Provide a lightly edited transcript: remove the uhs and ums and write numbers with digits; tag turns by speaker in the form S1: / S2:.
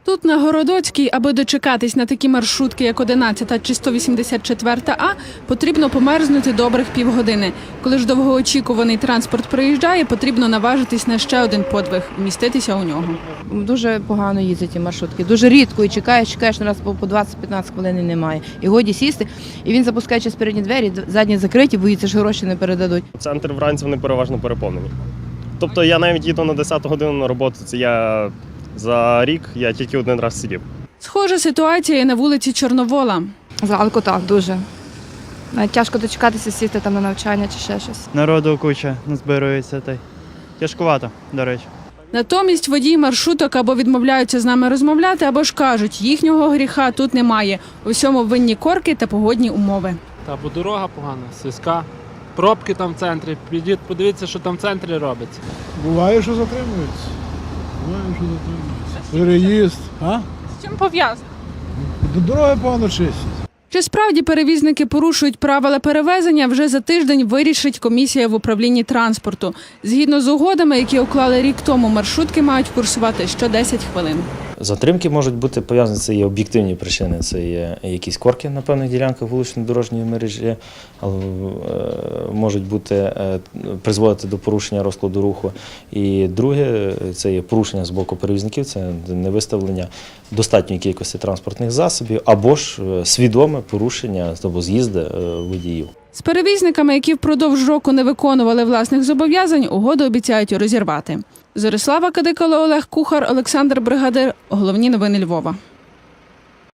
S1: Тут на Городоцькій, аби дочекатись на такі маршрутки, як 11 чи 184 А, потрібно померзнути добрих півгодини. Коли ж довгоочікуваний транспорт приїжджає, потрібно наважитись на ще один подвиг – вміститися у нього.
S2: Дуже погано їздять ці маршрутки. Дуже рідко і чекаєш на раз по 20-15 хвилин і немає. І годі сісти, і він запускає через передні двері, задні закриті, боїться, що гроші не передадуть.
S3: Центр вранці вони переважно переповнені. Тобто я навіть їду на 10 годину на роботу, це я за рік я тільки один раз сидів.
S1: Схожа ситуація і на вулиці Чорновола.
S4: Зранку так, дуже. Навіть тяжко дочекатися, сісти там на навчання чи ще щось.
S5: Народу куча назбирується. Тяжкувато, до речі.
S1: Натомість водії маршруток або відмовляються з нами розмовляти, або ж кажуть, їхнього гріха тут немає. У всьому винні корки та погодні умови.
S6: Бо дорога погана, слизька, пробки там в центрі. Підіть, подивіться, що там в центрі робиться.
S7: Буває, що затримуються. Переїзд.
S1: З чим пов'язано?
S7: Дороги погано чистять.
S1: Чи справді перевізники порушують правила перевезення, вже за тиждень вирішить комісія в управлінні транспорту. Згідно з угодами, які уклали рік тому, маршрутки мають курсувати що 10 хвилин.
S8: Затримки можуть бути пов'язані, це є об'єктивні причини, це є якісь корки на певних ділянках вуличної дорожньої мережі, можуть бути, призводити до порушення розкладу руху. І друге, це є порушення з боку перевізників, це невиставлення достатньої кількості транспортних засобів або ж свідоме порушення або з'їзди водіїв.
S1: З перевізниками, які впродовж року не виконували власних зобов'язань, угоду обіцяють розірвати. Зорислава Кадикало, Олег Кухар, Олександр Бригадир. Головні новини Львова.